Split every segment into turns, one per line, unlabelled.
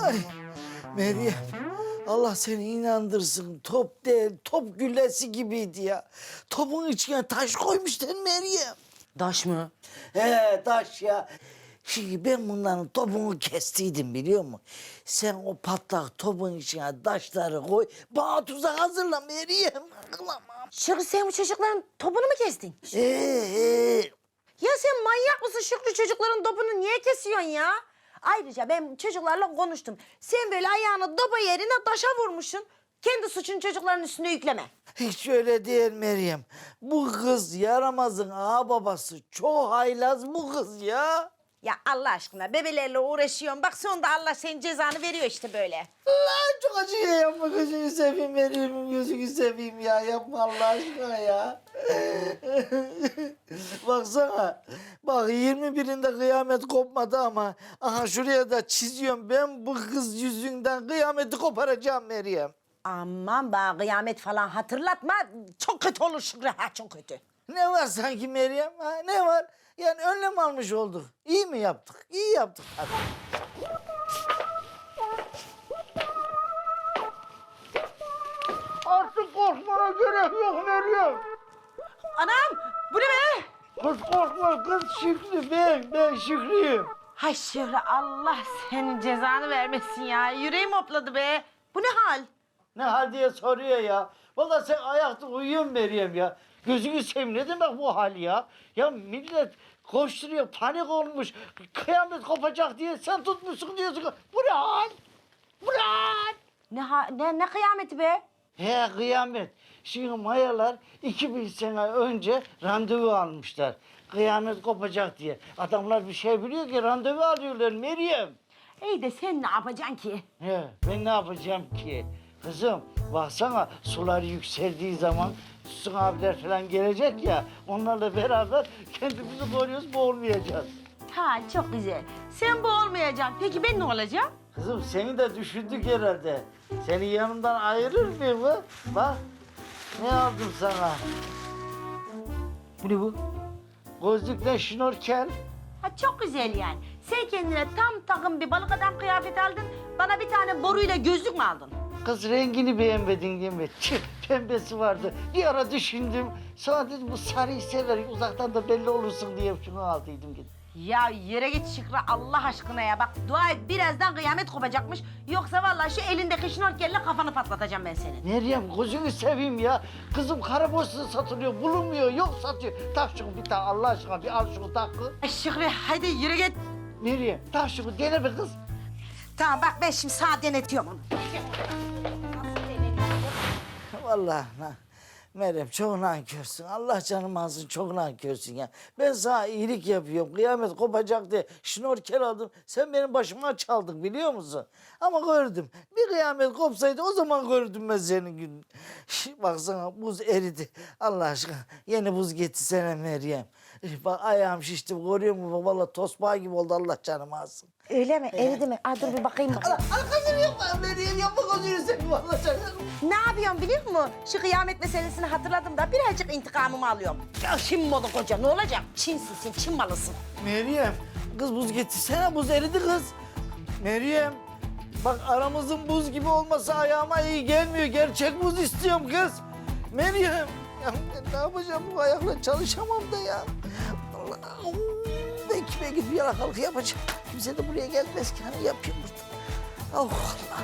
Ay Meryem, Allah seni inandırsın. Top değil, top güllesi gibiydi ya. Topun içine taş koymuştun Meryem.
Taş mı?
He taş ya. Şimdi ben bunların topunu kestiydim biliyor musun? Sen o patlak topun içine taşları koy. Bana tuzak hazırla Meryem. Aklamam.
Şükrü sen bu çocukların topunu mu kestin?
Ya
Ya sen manyak mısın Şükrü, çocukların topunu niye kesiyorsun ya? Ayrıca ben çocuklarla konuştum. Sen böyle ayağını topa yerine taşa vurmuşsun. Kendi suçunu çocukların üstüne yükleme.
hiç öyle değil Meryem. Bu kız yaramazın ağababası. Çok haylaz bu kız ya.
Ya Allah aşkına bebelerle uğraşıyorsun. Bak sonunda Allah senin cezanı veriyor işte böyle.
Allah çok acıyor yapma gözünü seveyim Meryem'im gözünü seveyim ya yapma Allah aşkına ya. Baksana bak 21'inde kıyamet kopmadı ama aha şuraya da çiziyorum ben bu kız yüzünden kıyameti koparacağım Meryem.
Aman bana kıyamet falan hatırlatma. Çok kötü olur Şükrü, ha çok kötü.
Ne var sanki Meryem ha ne var? Yani önlem almış olduk. İyi mi yaptık? İyi yaptık. Hadi. Artık korkmana gerek yok Meryem.
Anam bu ne be?
Kız korkma kız Şükrü ben Şükrü'yüm.
Hay Şükrü, Allah senin cezanı vermesin ya. Yüreğim hopladı be. Bu ne hal?
Ne hal diye soruyor ya. Vallahi sen ayakta uyuyorsun Meryem ya. Gözünü seveyim ne demek bu hal ya? Ya millet koşturuyor panik olmuş. Kıyamet kopacak diye sen tutmuşsun diyorsun. Bu ne hal? Bu ne hal?
Ne kıyameti be?
He kıyamet. Şimdi mayalar 2000 sene önce randevu almışlar. Kıyamet kopacak diye. Adamlar bir şey biliyor ki randevu alıyorlar Meryem.
İyi de sen ne yapacaksın ki?
He, ben ne yapacağım ki? Kızım baksana sular yükseldiği zaman Sütun abiler falan gelecek ya. Onlarla beraber kendimizi koruyoruz, boğulmayacağız.
Ha çok güzel. Sen bu olmayacaksın. Peki ben ne olacağım?
Kızım seni de düşündük herhalde. Seni yanımdan ayırır mıyım mı? Bak ne aldım sana.
Bu ne bu?
Gözlükle şnorkel.
Ha çok güzel yani. Sen kendine tam takım bir balık adam kıyafeti aldın. Bana bir tane boruyla gözlük mü aldın?
Kız rengini beğenmedin değil mi? Tüh, pembesi vardı. Bir ara düşündüm. Sonra dedim bu sarıyı sever. Uzaktan da belli olursun diye şunu aldıydım gidip.
Ya yere git Şükrü Allah aşkına ya. Bak dua et birazdan kıyamet kopacakmış. Yoksa vallahi şu elindeki şnorkelle kafanı patlatacağım ben senin.
Meryem gözünü seveyim ya. Kızım kara borsası satılıyor, bulunmuyor, yok satıyor. Tak şunu bir tane Allah aşkına bir al şunu tak kız.
Ay Şükrü hadi yürü git.
Meryem tak şunu dene be kız.
Tamam bak ben şimdi sana denetiyorum onu.
Vallahi Meryem çok nankörsün. Allah canımı alsın çok nankörsün ya. Ben sana iyilik yapıyorum. Kıyamet kopacak diye şnorkel aldım. Sen benim başıma çaldın biliyor musun? Ama gördüm. Bir kıyamet kopsaydı o zaman gördüm ben senin gününü. Baksana buz eridi. Allah aşkına yeni buz getirsene Meryem. Bak ayağım şişti görüyor musun? Vallahi tosbağa gibi oldu Allah canımı alsın.
Öyle mi? Eridi mi? Aa, dur bir bakayım.
Arkasını yapma Meryem yapma gözünü seveyim vallahi canım.
Ne yapıyorum biliyor musun? Şu kıyamet meselesini hatırladım da birazcık intikamımı alıyorum. Ya Çin malı koca ne olacak? Çinsin sen, Çin malısın.
Meryem, kız buz getirsene, buz eridi kız. Meryem, bak aramızın buz gibi olması ayağıma iyi gelmiyor. Gerçek buz istiyorum kız. Meryem, ya ben ne yapacağım bu ayakla çalışamam da ya. Allah, ben kime gidip yalakalık yapacağım. Kimse de buraya gelmez ki hani yapayım burada. Oh Allah.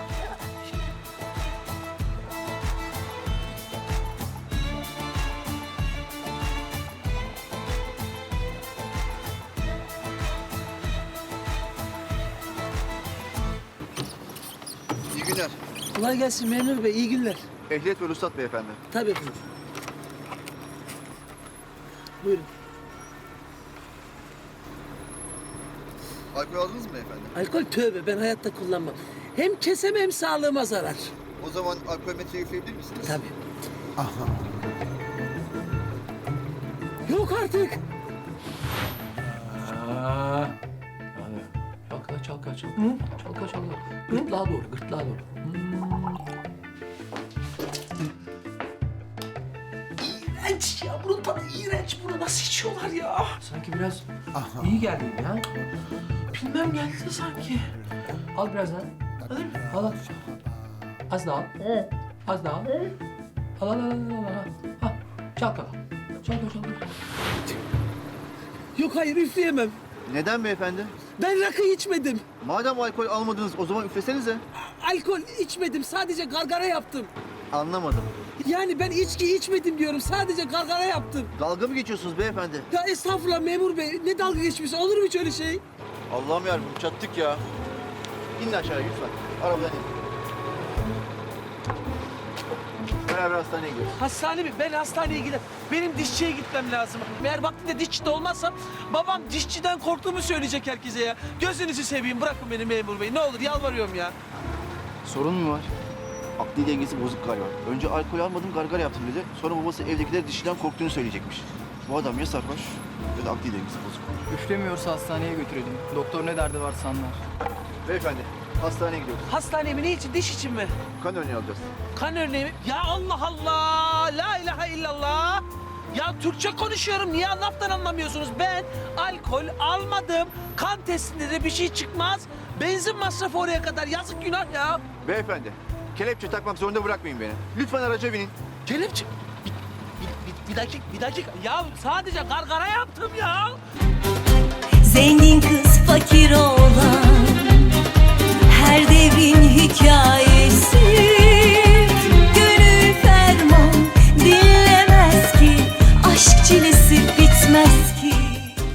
İyi günler.
Kolay gelsin memur bey, iyi günler.
Ehliyet ve ruhsat beyefendi.
Tabii efendim. Buyurun.
Alkol aldınız mı beyefendi?
Alkol tövbe, ben hayatta kullanmam. Hem keseme hem sağlığıma zarar.
O zaman alkol metre yükleyebilir misiniz?
Tabii. Yok artık.
Çalkala, çalkala, çalkala. Çalkala, çalkala. Gırtlağa doğru, gırtlağa doğru.
İğrenç ya, bunun tadı iğrenç. Bunu nasıl içiyorlar ya?
Sanki biraz iyi geldi ya. Bilmem geldi sanki. Al biraz daha. Al al. Az daha al. Az daha al. Al al al al al. Ha, çalkala. Çalkala.
Yok hayır üfleyemem.
Neden beyefendi?
Ben rakı içmedim.
Madem alkol almadınız o zaman üflesenize.
Alkol içmedim. Sadece gargara yaptım.
Anlamadım.
Yani ben içki içmedim diyorum. Sadece gargara yaptım.
Dalga mı geçiyorsunuz beyefendi?
Ya estağfurullah memur bey. Ne dalga geçmişsin? Olur mu hiç öyle şey?
Allah'ım yarabbim çattık ya. İnin aşağıya lütfen. Arabadan in. Beraber hastaneye gidiyoruz.
Hastane mi? Ben hastaneye giderim. Benim dişçiye gitmem lazım. Eğer vaktinde dişçide olmazsam babam dişçiden korktuğumu söyleyecek herkese ya. Gözünüzü seveyim bırakın beni memur bey. Ne olur yalvarıyorum ya.
Sorun mu var? Akli dengesi bozuk galiba. Önce alkol almadım gargara yaptım dedi. Sonra babası evdekiler dişiden korktuğunu söyleyecekmiş. Bu adam ya sarhoş ya da akli dengesi bozuk.
Üflemiyorsa hastaneye götürelim. Doktor ne derdi varsa anlar.
Beyefendi hastaneye gidiyoruz.
Hastaneye mi? Ne için? Diş için mi?
Kan örneği alacağız.
Kan örneği mi? Ya Allah Allah! La ilahe illallah! Ya Türkçe konuşuyorum. Niye laftan anlamıyorsunuz? Ben alkol almadım. Kan testinde de bir şey çıkmaz. Benzin masrafı oraya kadar. Yazık günah ya.
Beyefendi kelepçe takmak zorunda bırakmayın beni. Lütfen araca binin.
Kelepçe... Bir dakika. Ya sadece gargara yaptım ya.
Zengin kız fakir oğlan